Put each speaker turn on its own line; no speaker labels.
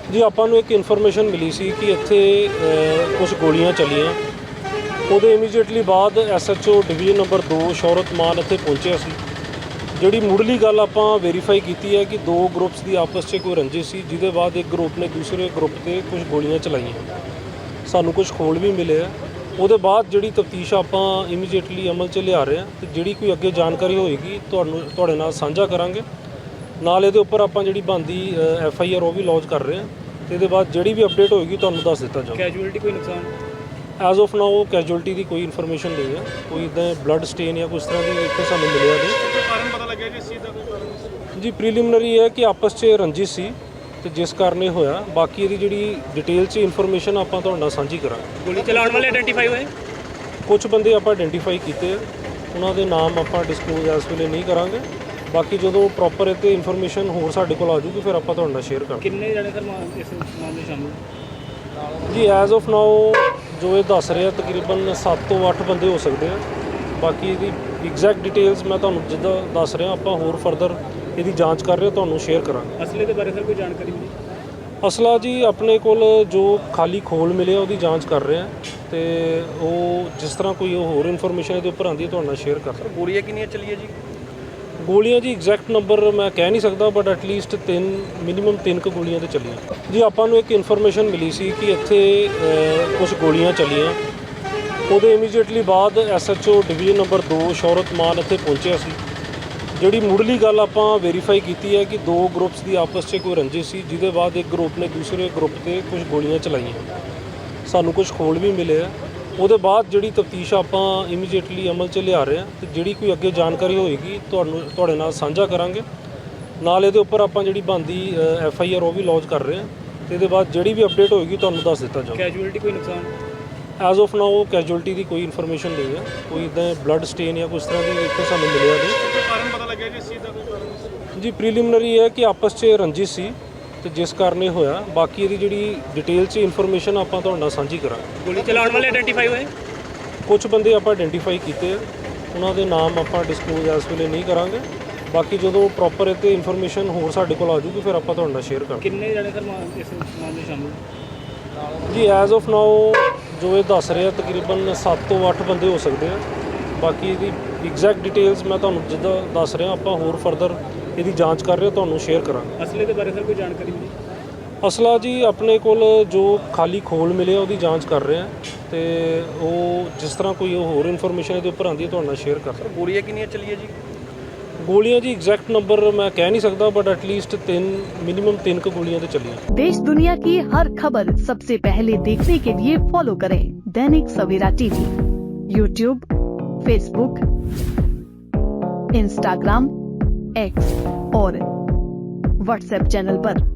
ਜੀ ਆਪਾਂ ਨੂੰ ਇੱਕ ਇਨਫੋਰਮੇਸ਼ਨ ਮਿਲੀ ਸੀ ਕਿ ਇੱਥੇ ਕੁਝ ਗੋਲੀਆਂ ਚੱਲੀਆਂ। ਉਹਦੇ ਇਮੀਡੀਏਟਲੀ ਬਾਅਦ SHO division number 2 Shaurat Mann ਇੱਥੇ ਪਹੁੰਚਿਆ ਸੀ। ਜਿਹੜੀ ਮੁੱਢਲੀ ਗੱਲ ਆਪਾਂ ਵੈਰੀਫਾਈ ਕੀਤੀ ਹੈ ਕਿ ਦੋ ਗਰੁੱਪਸ ਦੀ ਆਪਸ 'ਚ ਕੋਈ ਰੰਜਿਸ਼ ਸੀ, ਜਿਹਦੇ ਬਾਅਦ ਇੱਕ ਗਰੁੱਪ ਨੇ ਦੂਸਰੇ ਗਰੁੱਪ 'ਤੇ ਕੁਝ ਗੋਲੀਆਂ ਚਲਾਈਆਂ। ਸਾਨੂੰ ਕੁਝ ਖੋਲ ਵੀ ਮਿਲੇ ਆ। ਉਹਦੇ ਬਾਅਦ ਜਿਹੜੀ ਤਫਤੀਸ਼ ਆਪਾਂ ਇਮੀਡੀਏਟਲੀ ਅਮਲ 'ਚ ਲਿਆ ਰਹੇ ਹਾਂ ਅਤੇ ਜਿਹੜੀ ਕੋਈ ਅੱਗੇ ਜਾਣਕਾਰੀ ਹੋਏਗੀ ਤੁਹਾਡੇ ਨਾਲ ਸਾਂਝਾ ਕਰਾਂਗੇ। ਨਾਲ ਇਹਦੇ ਉੱਪਰ ਆਪਾਂ ਜਿਹੜੀ ਬਣਦੀ FIR ਉਹ ਵੀ ਲੌਂਚ ਕਰ ਰਹੇ ਹਾਂ ਅਤੇ ਇਹਦੇ ਬਾਅਦ ਜਿਹੜੀ ਵੀ ਅਪਡੇਟ ਹੋਏਗੀ ਤੁਹਾਨੂੰ ਦੱਸ ਦਿੱਤਾ ਜਾਊਗਾ।
ਕੈਜੂਅਲਟੀ ਕੋਈ ਨੁਕਸਾਨ
ਐਜ਼ ਆਫ ਨਾਓ ਕੈਜੂਅਲਟੀ ਦੀ ਕੋਈ ਇਨਫੋਰਮੇਸ਼ਨ ਨਹੀਂ ਹੈ, ਕੋਈ ਇੱਦਾਂ ਬਲੱਡ ਸਟੇਨ ਜਾਂ ਕੁਛ ਤਰ੍ਹਾਂ ਦੀ ਇੱਥੇ ਸਾਨੂੰ ਮਿਲਿਆ ਨਹੀਂ।
ਕੋਈ ਕਾਰਨ ਪਤਾ ਲੱਗਿਆ ਜੀ ਇਸ ਚੀਜ਼ ਦਾ? ਕੋਈ ਕਾਰਨ
ਜੀ ਪ੍ਰੀਲਿਮਿਨਰੀ ਹੈ ਕਿ ਆਪਸ 'ਚ ਰੰਜਿਸ਼ ਸੀ ਅਤੇ ਜਿਸ ਕਾਰਨ ਇਹ ਹੋਇਆ। ਬਾਕੀ ਇਹਦੀ ਜਿਹੜੀ ਡਿਟੇਲ 'ਚ ਇਨਫੋਰਮੇਸ਼ਨ ਆਪਾਂ ਤੁਹਾਡੇ ਨਾਲ ਸਾਂਝੀ ਕਰਾਂਗੇ।
ਗੋਲੀ ਚਲਾਉਣ ਵਾਲੇ ਆਇਡੈਂਟੀਫਾਈ ਹੋਏ?
ਕੁਝ ਬੰਦੇ ਆਪਾਂ ਆਇਡੈਂਟੀਫਾਈ ਕੀਤੇ ਆ, ਉਹਨਾਂ ਦੇ ਨਾਮ ਆਪਾਂ ਡਿਸਕਲੋਜ਼ ਇਸ ਵੇਲੇ ਨਹੀਂ ਕਰਾਂਗੇ। ਬਾਕੀ ਜਦੋਂ ਪ੍ਰੋਪਰ ਇਹ 'ਤੇ ਇਨਫੋਰਮੇਸ਼ਨ ਹੋਰ ਸਾਡੇ ਕੋਲ ਆ ਜੂਗੀ ਫਿਰ ਆਪਾਂ ਤੁਹਾਡੇ ਨਾਲ ਸ਼ੇਅਰ ਕਰਾਂਗੇ।
ਕਿੰਨੇ ਜਣੇ ਸਰ ਇਸ ਮਾਮਲੇ ਸ਼ਾਮਿਲ?
ਜੀ ਐਜ਼ ਆਫ ਨਾਓ ਜੋ ਇਹ ਦੱਸ ਰਿਹਾ ਤਕਰੀਬਨ 7 ਤੋਂ 8 ਬੰਦੇ ਹੋ ਸਕਦੇ ਆ। ਬਾਕੀ ਇਹਦੀ ਐਗਜ਼ੈਕਟ ਡਿਟੇਲਸ ਮੈਂ ਤੁਹਾਨੂੰ ਜਿੱਦਾਂ ਦੱਸ ਰਿਹਾ ਆਪਾਂ ਹੋਰ ਫਰਦਰ ਇਹਦੀ ਜਾਂਚ ਕਰ ਰਹੇ ਤੁਹਾਨੂੰ ਸ਼ੇਅਰ ਕਰਾਂਗੇ।
ਅਸਲੇ ਦੇ ਬਾਰੇ ਸਰ ਕੋਈ ਜਾਣਕਾਰੀ ਮਿਲੀ?
ਅਸਲਾ ਜੀ ਆਪਣੇ ਕੋਲ ਜੋ ਖਾਲੀ ਖੋਲ ਮਿਲਿਆ ਉਹਦੀ ਜਾਂਚ ਕਰ ਰਹੇ ਆ ਅਤੇ ਉਹ ਜਿਸ ਤਰ੍ਹਾਂ ਕੋਈ ਹੋਰ ਇਨਫੋਰਮੇਸ਼ਨ ਇਹਦੇ ਉੱਪਰ ਆਉਂਦੀ ਹੈ ਤੁਹਾਡੇ ਨਾਲ ਸ਼ੇਅਰ ਕਰ ਰਹੇ।
ਗੋਲੀਆਂ ਕਿੰਨੀਆਂ ਚੱਲੀਆਂ ਜੀ?
ਗੋਲੀਆਂ ਜੀ ਐਗਜ਼ੈਕਟ ਨੰਬਰ ਮੈਂ ਕਹਿ ਨਹੀਂ ਸਕਦਾ, ਬਟ ਐਟਲੀਸਟ ਮਿਨੀਮਮ 3 ਗੋਲੀਆਂ ਤੇ ਚੱਲੀਆਂ। ਜੀ ਆਪਾਂ ਨੂੰ ਇੱਕ ਇਨਫੋਰਮੇਸ਼ਨ ਮਿਲੀ ਸੀ ਕਿ ਇੱਥੇ ਕੁਝ ਗੋਲੀਆਂ ਚੱਲੀਆਂ। ਉਹਦੇ ਇਮੀਡੀਏਟਲੀ ਬਾਅਦ SHO division number 2 Shaurat Mann ਇੱਥੇ ਪਹੁੰਚਿਆ ਸੀ। ਜਿਹੜੀ ਮੁੱਢਲੀ ਗੱਲ ਆਪਾਂ ਵੈਰੀਫਾਈ ਕੀਤੀ ਹੈ ਕਿ ਦੋ ਗਰੁੱਪਸ ਦੀ ਆਪਸ 'ਚ ਕੋਈ ਰੰਜਿਸ਼ ਸੀ, ਜਿਹਦੇ ਬਾਅਦ ਇੱਕ ਗਰੁੱਪ ਨੇ ਦੂਸਰੇ ਗਰੁੱਪ 'ਤੇ ਕੁਝ ਗੋਲੀਆਂ ਚਲਾਈਆਂ। ਸਾਨੂੰ ਕੁਝ ਖੋਲ ਵੀ ਮਿਲੇ ਆ। ਉਹਦੇ ਬਾਅਦ ਜਿਹੜੀ ਤਫਤੀਸ਼ ਆਪਾਂ ਇਮੀਡੀਏਟਲੀ ਅਮਲ 'ਚ ਲਿਆ ਰਹੇ ਹਾਂ ਅਤੇ ਜਿਹੜੀ ਕੋਈ ਅੱਗੇ ਜਾਣਕਾਰੀ ਹੋਏਗੀ ਤੁਹਾਡੇ ਨਾਲ ਸਾਂਝਾ ਕਰਾਂਗੇ। ਨਾਲ ਇਹਦੇ ਉੱਪਰ ਆਪਾਂ ਜਿਹੜੀ ਬਣਦੀ FIR ਉਹ ਵੀ ਲੌਂਚ ਕਰ ਰਹੇ ਹਾਂ ਅਤੇ ਇਹਦੇ ਬਾਅਦ ਜਿਹੜੀ ਵੀ ਅਪਡੇਟ ਹੋਏਗੀ ਤੁਹਾਨੂੰ ਦੱਸ ਦਿੱਤਾ ਜਾਊਗਾ।
ਕੈਜੂਅਲਟੀ ਕੋਈ ਨੁਕਸਾਨ?
ਐਜ਼ ਆਫ ਨਾਓ ਕੈਜੂਅਲਟੀ ਦੀ ਕੋਈ ਇਨਫੋਰਮੇਸ਼ਨ ਨਹੀਂ ਹੈ, ਕੋਈ ਇੱਦਾਂ ਬਲੱਡ ਸਟੇਨ ਜਾਂ ਕੁਛ ਤਰ੍ਹਾਂ ਦੀ ਇੱਥੇ ਸਾਨੂੰ ਮਿਲਿਆ ਨਹੀਂ।
ਕੋਈ ਕਾਰਨ ਪਤਾ ਲੱਗਿਆ ਜੀ ਇਸ ਚੀਜ਼ ਦਾ? ਕੋਈ ਕਾਰਨ
ਜੀ ਪ੍ਰੀਲਿਮਿਨਰੀ ਹੈ ਕਿ ਆਪਸ 'ਚ ਰੰਜਿਸ਼ ਸੀ ਅਤੇ ਜਿਸ ਕਾਰਨ ਇਹ ਹੋਇਆ। ਬਾਕੀ ਇਹਦੀ ਜਿਹੜੀ ਡਿਟੇਲ 'ਚ ਇਨਫੋਰਮੇਸ਼ਨ ਆਪਾਂ ਤੁਹਾਡੇ ਨਾਲ ਸਾਂਝੀ ਕਰਾਂਗੇ।
ਗੋਲੀ ਚਲਾਉਣ ਵਾਲੇ ਆਇਡੈਂਟੀਫਾਈ ਹੋਏ?
ਕੁਝ ਬੰਦੇ ਆਪਾਂ ਆਇਡੈਂਟੀਫਾਈ ਕੀਤੇ ਆ, ਉਹਨਾਂ ਦੇ ਨਾਮ ਆਪਾਂ ਡਿਸਕਲੋਜ਼ ਇਸ ਵੇਲੇ ਨਹੀਂ ਕਰਾਂਗੇ। ਬਾਕੀ ਜਦੋਂ ਪ੍ਰੋਪਰ ਇਹ 'ਤੇ ਇਨਫੋਰਮੇਸ਼ਨ ਹੋਰ ਸਾਡੇ ਕੋਲ ਆ ਜੂਗੀ ਫਿਰ ਆਪਾਂ ਤੁਹਾਡੇ ਨਾਲ ਸ਼ੇਅਰ ਕਰਾਂਗੇ।
ਕਿੰਨੇ ਜਣੇ ਸਰ ਇਸ ਮਾਮਲੇ ਸ਼ਾਮਿਲ?
ਜੀ ਐਜ਼ ਆਫ ਨਾਓ ਜੋ ਇਹ ਦੱਸ ਰਿਹਾ ਤਕਰੀਬਨ 7 ਤੋਂ 8 ਬੰਦੇ ਹੋ ਸਕਦੇ ਆ। ਬਾਕੀ ਇਹਦੀ ਐਗਜ਼ੈਕਟ ਡਿਟੇਲਸ ਮੈਂ ਤੁਹਾਨੂੰ ਜਿੱਦਾਂ ਦੱਸ ਰਿਹਾ ਆਪਾਂ ਹੋਰ ਫਰਦਰ ਇਹਦੀ ਜਾਂਚ ਕਰ ਰਹੇ ਤੁਹਾਨੂੰ ਸ਼ੇਅਰ ਕਰਾਂਗੇ।
ਅਸਲੇ ਦੇ ਬਾਰੇ ਸਰ ਕੋਈ ਜਾਣਕਾਰੀ ਮਿਲੀ?
ਅਸਲਾ ਜੀ ਆਪਣੇ ਕੋਲ ਜੋ ਖਾਲੀ ਖੋਲ ਮਿਲਿਆ ਉਹਦੀ ਜਾਂਚ ਕਰ ਰਹੇ ਆ ਅਤੇ ਉਹ ਜਿਸ ਤਰ੍ਹਾਂ ਕੋਈ ਹੋਰ ਇਨਫੋਰਮੇਸ਼ਨ ਇਹਦੇ ਉੱਪਰ ਆਉਂਦੀ ਹੈ ਤੁਹਾਡੇ ਨਾਲ ਸ਼ੇਅਰ ਕਰ ਰਹੇ।
ਗੋਲੀਆਂ ਕਿੰਨੀਆਂ ਚੱਲੀਆਂ ਜੀ?
ਗੋਲੀਆਂ ਜੀ ਐਗਜ਼ੈਕਟ ਨੰਬਰ ਮੈਂ ਕਹਿ नहीं सकता, बट एटलीस्ट मिनिमम 3 गोलियां तो चली।
देश दुनिया की हर खबर सबसे पहले देखने के लिए फॉलो करें Dainik Savera TV, YouTube, Facebook, Instagram, X और व्हाट्सएप चैनल पर।